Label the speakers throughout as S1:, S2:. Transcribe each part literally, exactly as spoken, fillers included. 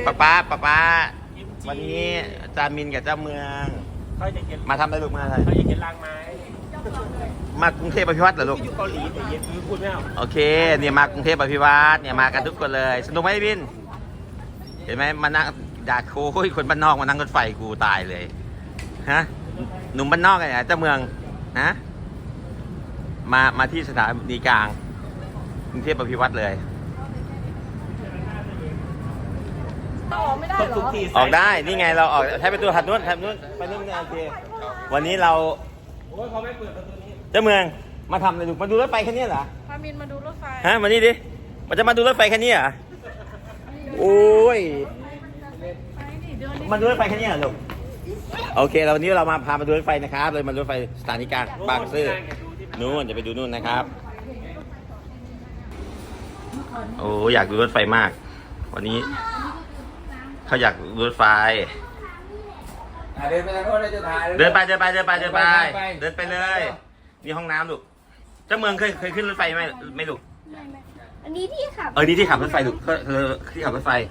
S1: ป้าป้าป้าป้าวันนี้จามินกับเจ้าเมืองมาทำอะไรลูกมาอะไร
S2: เขาอยากเห็นรางไม้
S1: มากรุงเทพอภิวัตรเหรอลูก
S2: อยู่เกาหลีแต่เย็นพูดไม่เอา
S1: โอเคเนี่ยมากรุงเทพอภิวัตรเนี่ยมากันทุกคนเลยสนุกไหมบินเห็นไหมมานั่งด่าโค้ยคนบ้านนอกมานั่งรถไฟกูตายเลยฮะหนุ่มบ้านนอกไงเจ้าเมืองฮะมามาที่สถานีกลางกรุงเทพอภิวัตรเลย
S3: ออกไม่ได้เหรอ
S1: ออกได้นี่ไงเราออกใช้ประตูถัดนู้นถัดนู้นไปนู้นโอเควันนี้เรา
S2: โอ้ยเขาไม่เปิดประตูนี้
S1: เจ้าเมืองมาทำอะไรลูกมาดูรถไฟแค่นี้เหรอ
S3: พามินมาดูรถไฟ
S1: ฮะมานี่ดิมันจะมาดูรถไฟแค่นี้เหรอโอ้ย
S3: ไปดิเดินดิ
S1: มาดูรถไฟแค่นี้เหรอลูกโอเคเราวันนี้เรามาพามาดูรถไฟนะครับเลยมาดูรถไฟสถานีกลางบางซื่อนู่นจะไปดูนู่นนะครับโอ้อยากดูรถไฟมาก วันนี้เขาอยากดูรถไฟ
S4: เดินไปทางโน้นเลยจะถ่าย
S1: เดินไปเดินไปเดินไปเดินไปเดินไปเลยนี่ห้องน้ำลูกเจ้าเมืองเคยเคยขึ้นรถไฟไหมไม่ลูก
S5: อันนี้ที่ขับ
S1: เออนี่ที่ขับรถไฟลูกเออที่ขับรถไฟ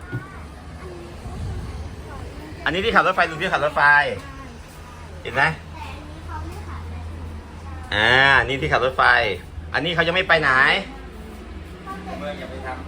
S1: อันนี้ที่ขับรถไฟลูกที่ขับรถไฟเห็นไหมอ่านี่ที่ขับรถไฟ อันนี้เขายังไม่ไปไหน
S4: เมื่ออย่าไปทำ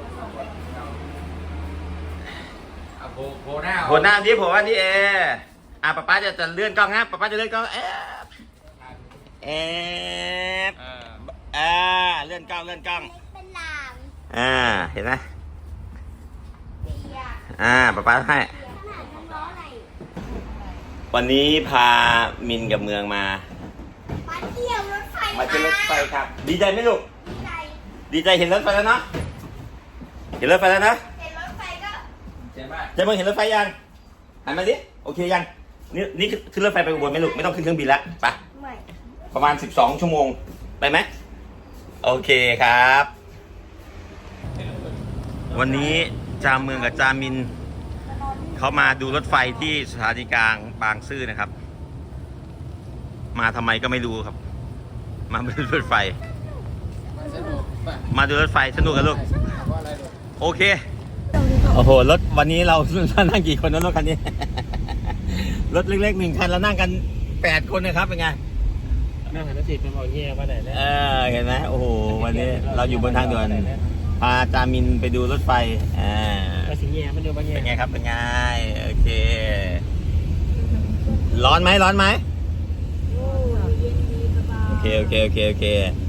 S4: เอาโผล่โผล่หน้า
S1: โผล่หน้าที่โผล่ว่าที่เออ่ะป๊าป๊าจะจะเลื่อนกล้องฮะป๊าป๊าจะเลื่อนกล้องเอฟเอฟอ่าเลื่อนกล้องเลื่อนกล้อง
S5: เป็นหลาม
S1: อ่าเห็นไหม
S5: เปียก
S1: อ่าป๊าป๊าให้
S5: ขนาดน้ำร้อนอะไร
S1: วันนี้พามินกับเมืองมา
S5: มาเที่ยวรถไฟ
S1: มาเจอรถไฟครับ ดีใจไหมลูก
S5: ใจ
S1: ดีใจเห็นรถไฟแล้วเนาะเห็นรถไฟแล้วนะ
S5: เห็นรถไฟก็
S4: ใช่ไหม
S1: เจะเมืองเห็นรถไฟยังหันมาดิโอเคยังนี่นี่ขึ้นรถไฟไปอุบลไหมลูกไม่ต้องขึ้นเครื่องบินละไป
S5: ไม่
S1: ประมาณสิบสองชั่วโมงไปไหมโอเคครับ วันนี้จาเมืองกับจามินเขามาดูรถไฟที่สถานีกลางบางซื่อนะครับ มาทำไมก็ไม่รู้ครับ มาดูรถไฟ
S4: สนุกป่ะ
S1: มาดูรถไฟสนุกกันลูก
S4: เพราะอะไรลูก
S1: โอเคโอ้โหรถวันนี้เรา นั่งกี่คนนะรถคันนี้ รถเล็กๆหนึ่งคันเรานั่งกันแปดคนนะครับเป็นไง
S2: นั่งหันติดเป็นบอกเงี้ยว่าไหนแล้ว
S1: เออเห็นไหมโอ้โหวันนี้เราอยู่บนทางด่วนพาจามินไปดูรถไฟอ่า
S2: มาสิเงี้ยมันดูบางเงี้ย
S1: เป็นไงครับเป็นไงโอเค ร้อนไหมร้อนไหมโอเคโอเคโอเคโอเค